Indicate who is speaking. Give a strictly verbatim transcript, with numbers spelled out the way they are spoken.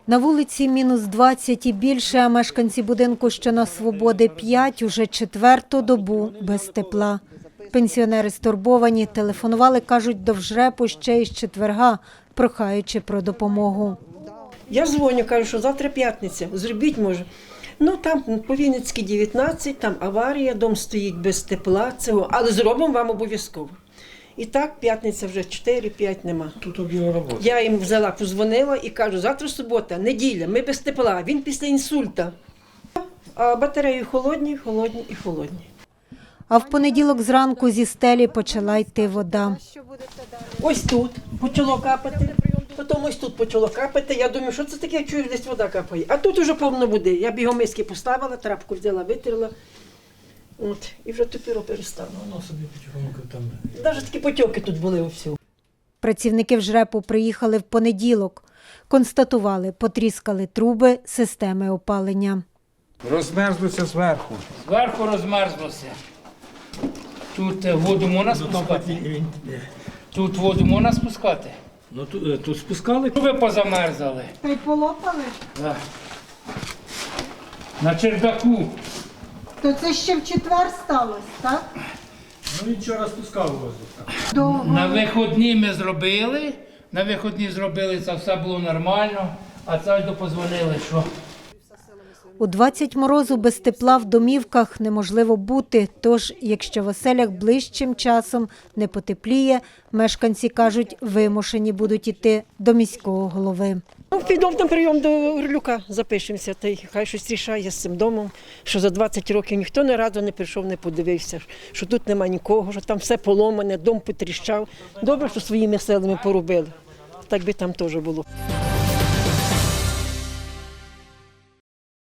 Speaker 1: На вулиці мінус двадцять і більше, а мешканці будинку, що на Свободи п'ять, уже четверту добу без тепла. Пенсіонери стурбовані, телефонували, кажуть, до ВЖРЕПу ще із четверга, прохаючи про допомогу.
Speaker 2: Я дзвоню, кажу, що завтра п'ятниця, зробіть може. Ну там по Вінницькій дев'ятнадцять, там аварія, дом стоїть без тепла, цього, але зробимо вам обов'язково. І так, п'ятниця вже чотири-п'ять нема.
Speaker 3: Тут об'єм роботи.
Speaker 2: Я їм взяла, позвонила і кажу, завтра субота, неділя, ми без тепла, він після інсульта. А батареї холодні, холодні і холодні.
Speaker 1: А в понеділок зранку зі стелі почала йти вода.
Speaker 2: Ось тут почало капати, потім ось тут почало капати. Я думаю, що це таке, я чую, десь вода капає. А тут вже повно води. Я бігом миски поставила, трапку взяла, витерла. От, і вже тепер перестала.
Speaker 3: Воно собі потихоньку там.
Speaker 2: Навіть такі потьоки тут були у всю.
Speaker 1: Працівники ВЖРЕПу приїхали в понеділок. Констатували, потріскали труби системи опалення.
Speaker 4: Розмерзлося зверху.
Speaker 5: Зверху розмерзлося. Тут е, воду можна спускати? Тут воду можна спускати?
Speaker 3: Ну тут, тут спускали.
Speaker 5: Ви позамерзали.
Speaker 1: Та й полопали?
Speaker 5: Да. На чердаку.
Speaker 1: То це ще в четвер сталося, так?
Speaker 3: Ну він вчора спускав воздух.
Speaker 1: Довго.
Speaker 5: На виходні ми зробили. На виходні зробили, це все було нормально. А це допозвонили, що
Speaker 1: У двадцять морозу без тепла в домівках неможливо бути, тож, якщо в оселях ближчим часом не потепліє, мешканці кажуть, вимушені будуть іти до міського голови.
Speaker 2: Ну, підемо на прийом до Орлюка, запишемося, та й хай щось рішає з цим домом, що за двадцять років ніхто ні разу не прийшов, не подивився, що тут нема нікого, що там все поломане, дом потріщав. Добре, що своїми силами поробили, так би там теж було.